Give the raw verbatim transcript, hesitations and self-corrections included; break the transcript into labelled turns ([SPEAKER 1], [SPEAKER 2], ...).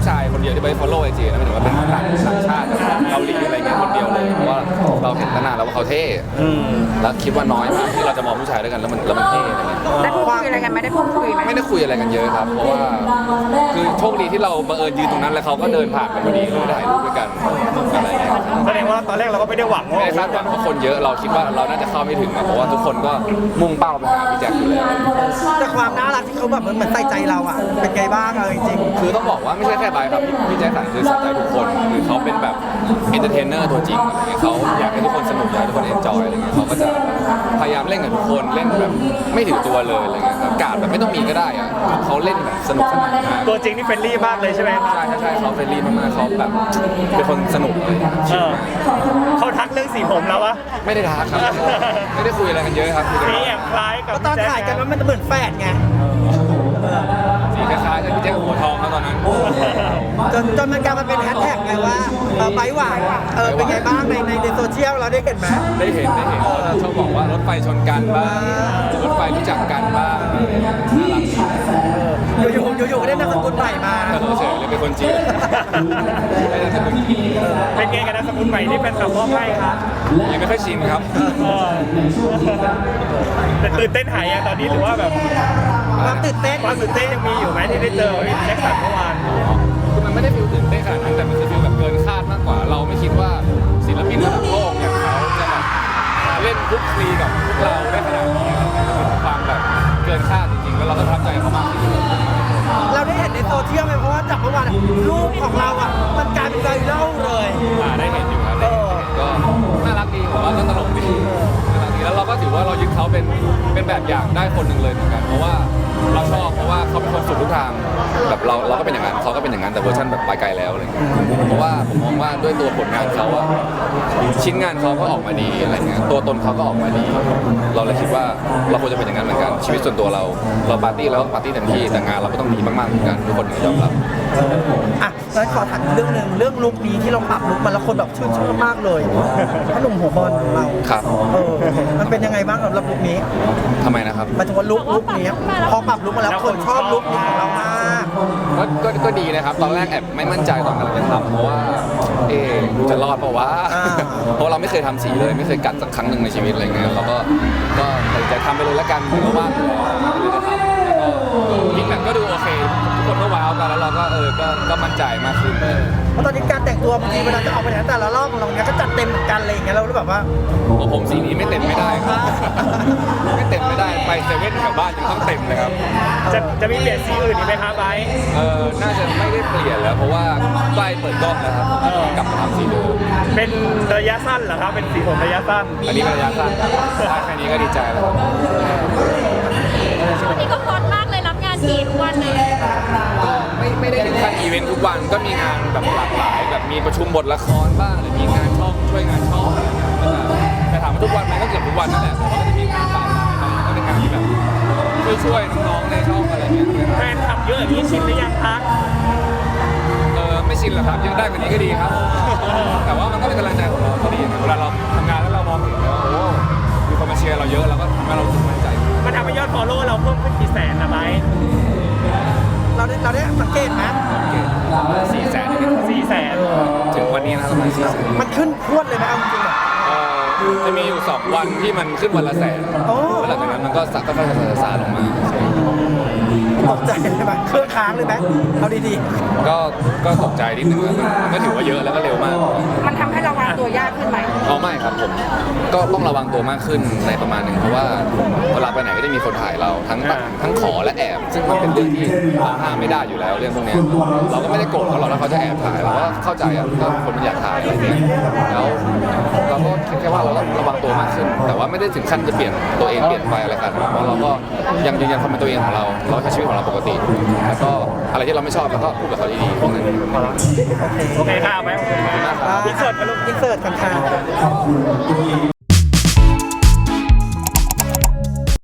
[SPEAKER 1] ผู้ชายคนเดียวที่ไป follow ไอจีนะหมายถึงว่าเป็นต่างต่างชาติเกาหลีอะไรเงี้ยคนเดียวเลยเพราะว่าเราเห็นตั้งนานแล้วว่าเขาเท่แล้วคิดว่าน้อยมากที่เราจะมองผู้ชายด้วยกันแล้วมันแล้วมันเท่อะไรเงี้ย
[SPEAKER 2] ได้พูดคุยอะไรกันไหมได้พูดคุยไหม
[SPEAKER 1] ไม่ได้คุยอะไรกันเยอะครับเพราะว่าคือโชคดีที่เราบังเอิญยืนตรงนั้นแล้วเขาก็เดินผ่านไปพอดีเลยได้ถ่ายรูปด้วยกันอะไรเงี้ย
[SPEAKER 3] แสดงว่าตอนแรกเราก็ไม่ได้หวังว่า
[SPEAKER 1] ไม่ได้คาดหวังว่าคนเยอะเราคิดว่าเราน่าจะเข้าไม่ถึงอะเพราะว่าทุกคนก็มุ่งเป้าไปหาพี่แจ็คอยู่แล้ว
[SPEAKER 4] แต่ความน่ารักที่เขาแบบเหมือนใส่ใจเราอ่ะเป็นไงบ้างเอาจริง
[SPEAKER 1] คือต้องบอกว่าไม่ใช่แค่ไบร์ทครับพี่พี่แจ็คสันคือใส่ใจทุกคนคือเขาเป็นแบบเอนเตอร์เทนเนอร์ตัวจริงอะไรเงี้ยเขาอยากให้ทุกคนสนุกอยากให้ทุกคนเอนจอยอะไรเงี้ยเขาก็จะพยายามเล่นกับทุกคนเล่นแบบไม่ถือตัวเลยอะไรเงี้ยครับการแบบไม่ต้องมีก็ได้อะเขาเล่นแบบสนุกสนานมาก
[SPEAKER 3] ตัวจริงนี่เฟรนลี่มากเลยใช่ไหมครับ
[SPEAKER 1] ใช่ใช่ใช่เขาเฟรนลี่มากๆเขาแบบเป็นคนสนุกเลย
[SPEAKER 3] เออเขาทักเรื่องสีผมแล้ววะ
[SPEAKER 1] ไม่ได้ทักครับไม่ได้คุยอะไรกันเยอะครับคุยกัน
[SPEAKER 3] สีแอบคล้ายกับ
[SPEAKER 4] ๆตอนถ่ายกันมันเหมือนแฝดไง
[SPEAKER 1] สีคล้ายๆกับพี่แจ็คหัวทองเขาตอนนั้น
[SPEAKER 4] จนจนมันกลายมาเป็นแฮชแท็กไงว่าเออไบร์ทหวานเออเป็นไงบ้างในในในโซเชียลเราได้เห็นไหม
[SPEAKER 1] ได้เห็นได้เห็นเขาชอบบอกว่ารถไฟชนกันบ้างรถไฟรู้จักกันบ้างน่ารัก
[SPEAKER 4] อยู่ๆอยู่ๆก็ได้นามสกุลใหม่มา
[SPEAKER 1] เออเฉยเลยเป็นคนจีนไม่ได้เป็นคนจีน
[SPEAKER 3] เป็นไงกันนะสกุลใหม่ที่เป็นคำมอบให้ครับ
[SPEAKER 1] ยังไม่ค่อยชินครับ
[SPEAKER 3] เออแต่ตื่นเต้นหายยังตอนนี้หรือว่าแบบ
[SPEAKER 4] ความตื่นเต้น
[SPEAKER 3] ความตื่นเต้นยังมีอยู่ไหมที่ได้เจอพี่แจ็คสันเมื่อวาน
[SPEAKER 1] คือมันไม่ได้ฟิลตื่นเต้นขนาดนั้นแต่มันคือฟิลแบบเกินคาดมากกว่า เราไม่คิดว่าศิลปินระดับโลกอย่างเขาจะแบบมาเล่นคลุกคลีกับพวกเราได้ขนาดนี้ครับมันเป็นความแบบเกินคาดจริงๆแล้วเราก็ประทับใจเขามากที่สุด
[SPEAKER 4] เราได้เห็นในโซเชียลไหมเพราะว่าจากเมื่อวานอะรูปของเราอ่ะมันกลายเป็นไวรัลเลย
[SPEAKER 1] อ่าได้เห็นอยู่ครับได้เห็นได้เห็นก็น่ารักดีผมว่าก็ตลกดีน่ารักดีแล้วเราก็ถือว่าเรายึดเขาเป็นเป็นแบบอย่างได้คนหนึ่งเลยเหมือนกันเพราะว่าเราชอบเพราะว่าเขาเป็นคนสุดทุกทางแบบเราเราก็เป็นอย่างนั้นเขาก็เป็นอย่างนั้นแต่เวอร์ชันแบบไปไกลแล้วอะไรเงี้ยเพราะว่าผมมองว่าด้วยตัวผลงานเขาอะชิ้นงานเขาก็ออกมาดีอะไรเงี้ยตัวตนเขาก็ออกมาดี เราเลยคิดว่าเราควรจะเป็นอย่างนั้นเหมือนกันชีวิตส่วนตัวเราเราปาร์ตี้แล้วปาร์ตี้เต็มที่แต่งานเราก็ต้องดีมากๆเหมือนกันทุกคนถึงจะยอมรับ
[SPEAKER 4] อ่ะแล้วขอถามเรื่องหนึ่งเรื่องลุคนี้ที่เราปรับลุคมันแล้วคนแบบชื่นชอบมากเลยพ่อหนุ่มหัวบอลของเรา
[SPEAKER 1] ครับ
[SPEAKER 4] เออมันเป็นยังไงบ้างสำหรับลุคนี้
[SPEAKER 1] ทำไมนะครับ
[SPEAKER 4] หมายถึงว่าลุคลุคนี้พอปรับลุคมาแล้วคนชอบลุคนี้ของเรามาก
[SPEAKER 1] ก็ก็ก็ดีนะครับ ตอนแรกแอบไม่มั่นใจตอนกำลังจะทำเพราะว่า เอ๊ะจะรอดเปล่าวะ
[SPEAKER 4] อ่า
[SPEAKER 1] เพราะเราไม่เคยทำสีเลย ไม่เคยกัดสักครั้งหนึ่งในชีวิตอะไรเงี้ยเราก็ก็ตัดสินใจทำไปเลยละกันเพราะว่าเลยจะทำแล้วก็ฟีดแบ็กก็ดูโอเคทุกคนก็ว้าวกันแล้วเราก็เออก็ก็มั่นใจมากขึ้น
[SPEAKER 4] เพราะตอนนี้การแต่งตัวบางทีเวลาจะออกไปไหนแต่ละรอบของเราเนี้ยก็จัดเต็มเหมือนกันอะไรอย่างเงี้ยเรารู้แบบว่า
[SPEAKER 1] โอ้ผมสีนี้ไม่เต็มไม่ได้ครับไม่เต็มไม่ได้ไปเซเว่นแถวบ้านยังต้องเต็มเลยครับ
[SPEAKER 3] จะจะมีเปลี่ยนสีอื่นอีกไหมครับไบร์ท
[SPEAKER 1] เออน่าจะไม่ได้เปลี่ยนแล้วเพราะว่าใกล้เปิดกล้องแล้วครับกลับมาทำสีเดิม
[SPEAKER 3] เป็นระยะสั้นเหรอครับเป็นสีผมระยะสั้น
[SPEAKER 1] อันนี้เป็นระยะสั้นครับได้แค่นี้ก็ดีใจแล้วครับ
[SPEAKER 2] ช่วงนี้ก็ฮอตมากเลยรับงานทีทุกวันเลย
[SPEAKER 1] ก็ไม่ไม่ได้ถึงขั้นอีเวนต์ทุกวันก็มีงานแบบหลากหลายแบบมีประชุมบทละครบ้างหรือมีงานช่องช่วยงานช่องอะไรอย่างเงี้ยก็จะแต่ถามว่าทุกวันไหมก็เกือบทุกวันนั่นแหละแต่ว่าก็จะมีงานปาปายก็เป็นงานที่แบบช่วยช่วยน้องๆในช่องอะไรอย่างเงี้ย
[SPEAKER 3] แฟนคลับเยอะอย่างนี้ชินหรือยังคะ
[SPEAKER 1] เออไม่ชินหรอกครับยังได้กว่านี้ก็ดีครับ แต่ว่ามันก็เป็นกำลังใจของเราก็ดีเวลาเราทำงานแล้วเรามองเห็นแล้วโอ้มีคนมาเชียร์เราเยอะเราก็ทำให้เรารู้สึกมั่นใจ
[SPEAKER 3] มันทำให้ยอดฟอลโล่เราเพิ่มขึ้นกี่แสนนะไบร์ท
[SPEAKER 4] เราได้เราได้สังเกตไหม
[SPEAKER 1] สี่แสน
[SPEAKER 3] สี่แสน
[SPEAKER 1] ถึงวันนี้นะประมาณสี่แสน
[SPEAKER 4] มันขึ้นพรวดเลยไหมเอาจริงๆอะ
[SPEAKER 1] จะมีอยู่สองวันที่มันขึ้นวันละแสน
[SPEAKER 4] โอ้
[SPEAKER 1] แล้วหลังจากนั้นมันก็สักก็ค่อยๆซาลงมา
[SPEAKER 4] ตกใจเลยไหมเครื่องค้างเลยไหมเอาดี
[SPEAKER 1] ก็ก็ตกใจนิดนึงครับมันก็ถือว่าเยอะแล้วก็เร็วมาก
[SPEAKER 2] มันทำให้เราวางตัวยากขึ้นไหม
[SPEAKER 1] เอาไม่ครับผมก็ต้องระวังตัวมากขึ้นในประมาณหนึ่งเพราะว่าเวลาไปไหนก็จะมีคนถ่ายเราทั้งตัดทั้งขอและแอบ ซึ่งมันเป็นเรื่องที่เราห้ามไม่ได้อยู่แล้วเรื่องพวกเนี้ยเราก็ไม่ได้โกรธเขาหรอกถ้าเขาจะแอบถ่ายเราก็เข้าใจอ่ะก็คนมันอยากถ่ายอะไรเงี้ยแล้วเราก็คิดแค่ว่าเราต้องระวังตัวมากขึ้น แต่ว่าไม่ได้ถึงขั้นจะเปลี่ยนตัวเองเปลี่ยนไปอะไรขนาดนั้นเพราะเราก็ยังยืนยันความเป็นตัวเองของเราเราใช้ชีวิตของเราปกติ แล้วก็อะไรที่เราไม่ชอบเราก็พูดกับเขาดีๆพวกนั้น
[SPEAKER 3] โอเคค่ะไบร์ท
[SPEAKER 4] ๆ
[SPEAKER 3] อินเสิร์ตกันลูก
[SPEAKER 4] อินเสิร์ตกันค่ะ